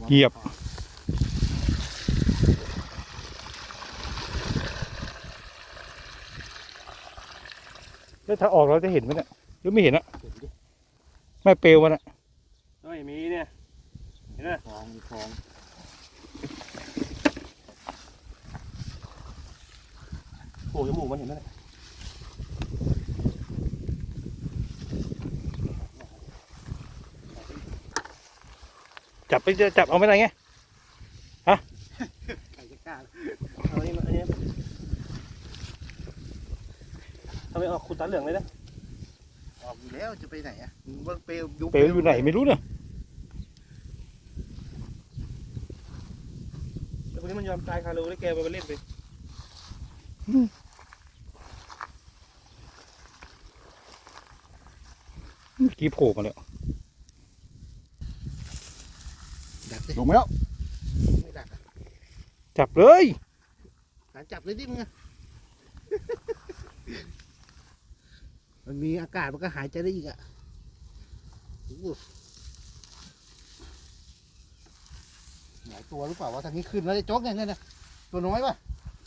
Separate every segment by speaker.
Speaker 1: เหยียบแล้วถ้าออกเราจะเห็นไหมเนี่ยหรือไม่เห็นอะไม่เปลวมันอะ
Speaker 2: เฮ้ยมีเนี่ยเห็นไหมฟองมีฟองโอ้ยจมูกมันเห็นไหม
Speaker 1: จับไปจับเอาไม่ได้ไงฮะ
Speaker 2: ใครจะกล้าเอาอันนี้ทำไมออกขุดตาเหลืองเลยนะ
Speaker 3: ออกอยู่แล้วจะไปไหนอ่ะว่าเปลว
Speaker 1: เปลวอยู่ไหนไม่รู้เนี่ย
Speaker 2: แต่คนนี้มันยอมตายคารูได้แกไปเล่นไป
Speaker 1: เมื่อกี้โผล่มาแล้ว
Speaker 3: ลงมาแล้วไม่ดักอ่ะ
Speaker 1: จับเลย
Speaker 3: จับเลยดิมึงมันมีอากาศมันก็หายใจได้อีกอ่ะหลายตัวหรือเปล่าวะทางนี้ขึ้นแล้วจะโจ๊กเนี่ยนะตัวน้อยป่ะ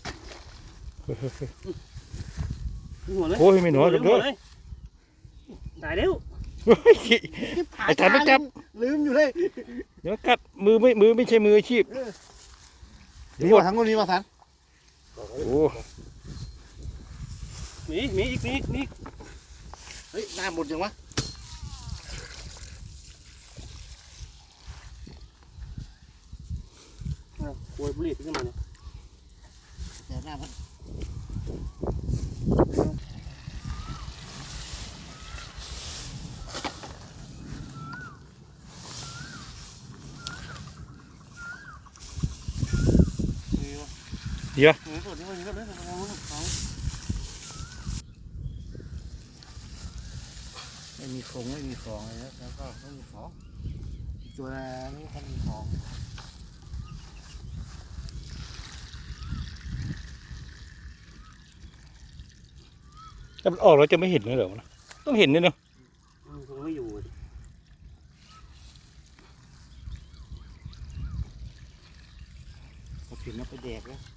Speaker 2: หัวเลย
Speaker 1: โอ้ยไม่หนอจับเลย
Speaker 2: ตายเร็ว
Speaker 1: ไอ้ฉันไม่จับ
Speaker 3: ลืมอยู่เลย
Speaker 1: เดี๋ยวกัดมือไม่ใช่มืออาชีพ
Speaker 3: นี่ว่าทั้งคนนี้มาสัน
Speaker 1: โอ้
Speaker 2: มีอีก
Speaker 3: เฮ้ยหน้าหมดยังวะ
Speaker 2: โวยบุหรี่ขึ้นมาเนี่ย
Speaker 3: เดี๋ยวหน้ามัน
Speaker 1: เดี๋ยว
Speaker 3: ไม่มีฟองไม่มีฟองเลยแล้วก็ไม่มีฟองตัวนี้มันมีฟอง
Speaker 1: ถ้ามันออกเราจะไม่เห็นเลยเหรอต้องเห็นเนี่ยเนาะ
Speaker 2: คงไม่อยู่
Speaker 3: พอถึงแล้วไปแดกแล้ว